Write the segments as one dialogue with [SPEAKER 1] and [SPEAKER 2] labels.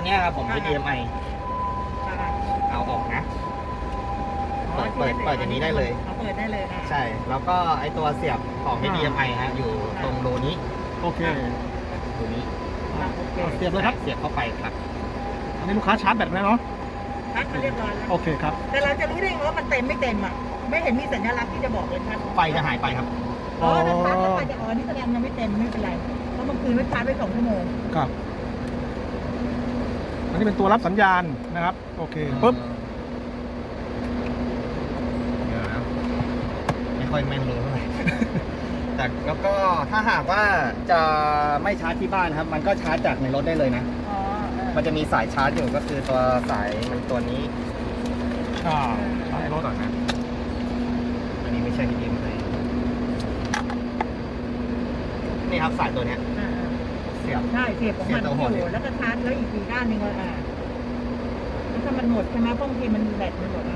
[SPEAKER 1] เนี้ยครับผม HDMI เอาออกนะ เปิดอย่างนี้ได้เลย
[SPEAKER 2] เปิดได้เลย
[SPEAKER 1] ใช่ แล้วก็ไอตัวเสียบของ HDMI ฮะอยู่ตรงรูนี้
[SPEAKER 3] โอเค
[SPEAKER 1] รูนี้
[SPEAKER 3] เสียบเลยครับ
[SPEAKER 1] เสียบเข้าไปครับ
[SPEAKER 3] อันนี้ลูกค้าชาร์จแบตไหมเนาะ
[SPEAKER 2] พักมาเรียบร้อยแล้ว
[SPEAKER 3] โอเคครับ
[SPEAKER 2] แต่เราจะรู้ได้ไงว่ามันเต็มไม่เต็มอ่ะไม่เห็นมีสัญลักษณ์ที่จะบอกเลยครับ
[SPEAKER 1] ไฟจะหายไปครับ
[SPEAKER 2] อ๋อถ้าชาร์จแล้วไฟจะนี่แสดงยังไม่เต็มไม่เป็นไรเพราะเมื่อคืนไม่ชาร์จไป2 ชั่วโมง
[SPEAKER 3] ครับ อันนี้เป็นตัวรับสัญญาณนะครับ โอเคปุ๊บ
[SPEAKER 1] เดี๋ยวนะไม่ค่อยแม่นรู้เท่าไหร่ แต่แล้วก็ถ้าหากว่าจะไม่ชาร์จที่บ้านครับ มันก็ชาร์จจากในรถได้เลยนะ
[SPEAKER 2] อ๋อ
[SPEAKER 1] มันจะมีสายชาร์จอยู่ก็คือตัวสายมันตัวนี้
[SPEAKER 3] อ่าใช่รถ
[SPEAKER 1] ก่อนนะ อันนี้ไม่ใช่ HDMI นี่ครับสายตัวเนี้ยเสียบ
[SPEAKER 2] ใช่เสียบของมันอยู่แล้วก็ชาร์จแล้วอีก4 ด้านหนึ่งถ้ามันหมดใช่ไหมบางทีมันแบตมันหมด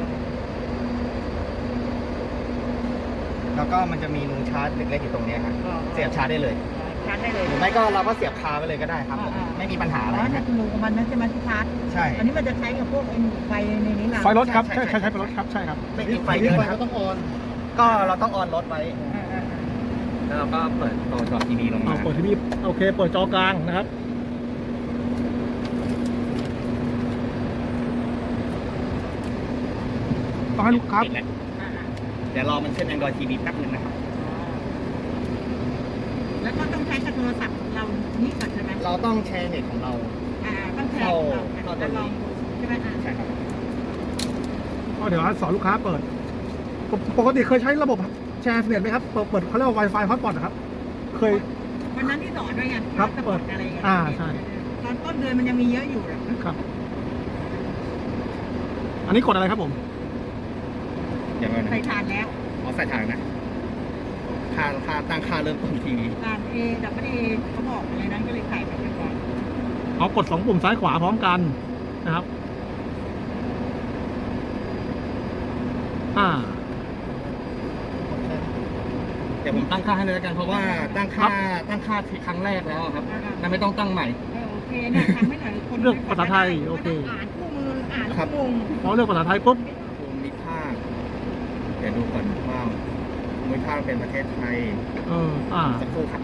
[SPEAKER 1] แล้วก็มันจะมีรูชาร์จเล็กๆอยู่ตรงเนี้ยครับเสียบชาร์จได้เลย
[SPEAKER 2] ชาร์จได้เลย
[SPEAKER 1] หรือไม่ก็เราก็เสียบคาไปเลยก็ได้ครับผมไม่มีปัญหาอะไร
[SPEAKER 2] อ๋อ
[SPEAKER 1] นะ
[SPEAKER 2] คือรูของมันนั่นใช่ไหมที่ชาร์จ
[SPEAKER 1] ใช่
[SPEAKER 2] อันนี้มันจะใช้กับพวกไฟในนี้เรา
[SPEAKER 3] ไฟรถครับ
[SPEAKER 1] ใช่
[SPEAKER 3] ใช่
[SPEAKER 1] ใช่
[SPEAKER 3] ใช่ไฟรถครับ ใช่ครับ
[SPEAKER 1] ไม่มีไฟเยอะนะครับต้องออนก็เราต้องออนรถไว้ แล้วเราก็เปิดตัวจอทีวีลง
[SPEAKER 3] เอา
[SPEAKER 1] มา
[SPEAKER 3] เปิดทีวีโอเค เปิดจอกลางนะครับ ต้องให้ลูกค้า
[SPEAKER 1] ปิดแล้วเดี๋ยวรอมันขึ้น Android TV แป๊บนึงนะครับ
[SPEAKER 2] แล้วก็ต้องใช้กับโทรศัพท์เรานี่ก่อนใช่ไหม
[SPEAKER 1] เราต้องแชร์เน็ตของเรา
[SPEAKER 2] ต้องแชร์
[SPEAKER 1] เข้า
[SPEAKER 2] เรา
[SPEAKER 1] ตัวนี้
[SPEAKER 2] ลองดูใช่ไหม
[SPEAKER 1] ใช่ครับ
[SPEAKER 3] ก็เดี๋ยวสอนลูกค้าเปิด ปกติเคยใช้ระบบแชร์เน็ตไหมครับ เปิดเขาเรียกว่า Wi-Fi hotspot นะครับ เคย
[SPEAKER 2] วันนั้นที่สอนด้วยไง
[SPEAKER 3] ครับ
[SPEAKER 2] สปอตอะไรอย่างเงี้ย
[SPEAKER 3] ใช่
[SPEAKER 2] ตอนต้นเดือนมันยังมีเยอะอยู่อะ
[SPEAKER 3] ครับ อันนี้กดอะไรครับผม
[SPEAKER 1] เดี๋ยวก่อนนะ
[SPEAKER 2] ใส่ทานแล้ว
[SPEAKER 1] เอาใส่ถ่านนะค่าตั้งค่าเริ่มต้นทีวี
[SPEAKER 2] ทานดับเบิลเขาบอกอะไรนั้นก็เลยใส่ไปก่อน
[SPEAKER 3] เอากด2 ปุ่มซ้ายขวาพร้อมกันนะครับ
[SPEAKER 1] เดี๋ยวผมตั้งค่าให้เลยแล้วกันเพราะว่าตั้งค่าครั้งแรกแล้วครับนั่นไม่ต้องตั้งใหม่
[SPEAKER 2] โอเคเนี่ยทำให้หน่อยคน
[SPEAKER 3] เลือกภาษาไทยโอเค
[SPEAKER 2] อ่านคู่มืออ่าน
[SPEAKER 1] ครับ
[SPEAKER 2] งง
[SPEAKER 3] พอเลือกภาษาไทยปุ๊บ
[SPEAKER 1] ภูมิภาคเดี๋ยวดูก่อนว่าภูมิภาคเป็นประเทศไทย สักครู่ครับ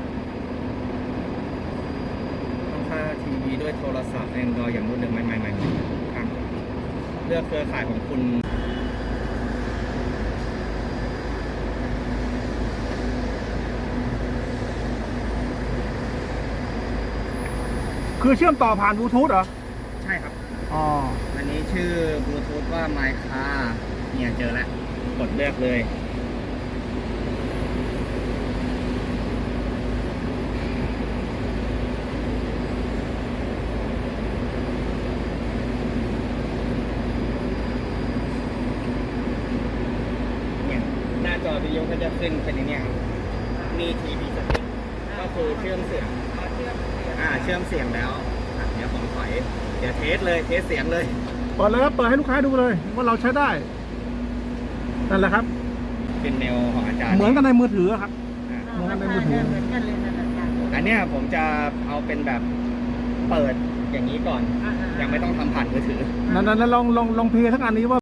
[SPEAKER 1] ต้องค่าทีวีด้วยโทรศัพท์ Android อย่างรวดเร็วไม่ครับเลือกเครือข่ายของคุณ
[SPEAKER 3] คือเชื่อมต่อผ่านบลูทูธเหรอ
[SPEAKER 1] ใช่ครับ
[SPEAKER 3] อ๋อ
[SPEAKER 1] อันนี้ชื่อบลูทูธว่า MyCar เนี่ยเจอแล้ว กดเลือกเลย เนี่ย หน้าจอวิดีโอก็จะขึ้นเป็นอย่างเนี้ยครับ มีทีวีสติ๊กก็คือเชื่อมเสียง เชื่อมเสียงแล้วเดี๋ยวผมถอย เดี๋ยวเทสเสียงเลย
[SPEAKER 3] เปิดเลยครับ เปิดให้ลูกค้าดูเลยว่าเราใช้ได้ นั่นแหละครับ
[SPEAKER 1] เป็นแนวของอาจารย์
[SPEAKER 3] เหมือนกันในมือถือครับ
[SPEAKER 1] อ่ะ
[SPEAKER 3] เหมือนกันในมือถือ
[SPEAKER 2] เหมือนกันเลยนั่นแหละ
[SPEAKER 1] อันเนี้ยผมจะเอาเป็นแบบเปิดอย่างนี้ก่อน ยังไม่ต้องทำผ่านมือถือ
[SPEAKER 3] นั้นลองเพลย์ทั้งอันนี้ว่า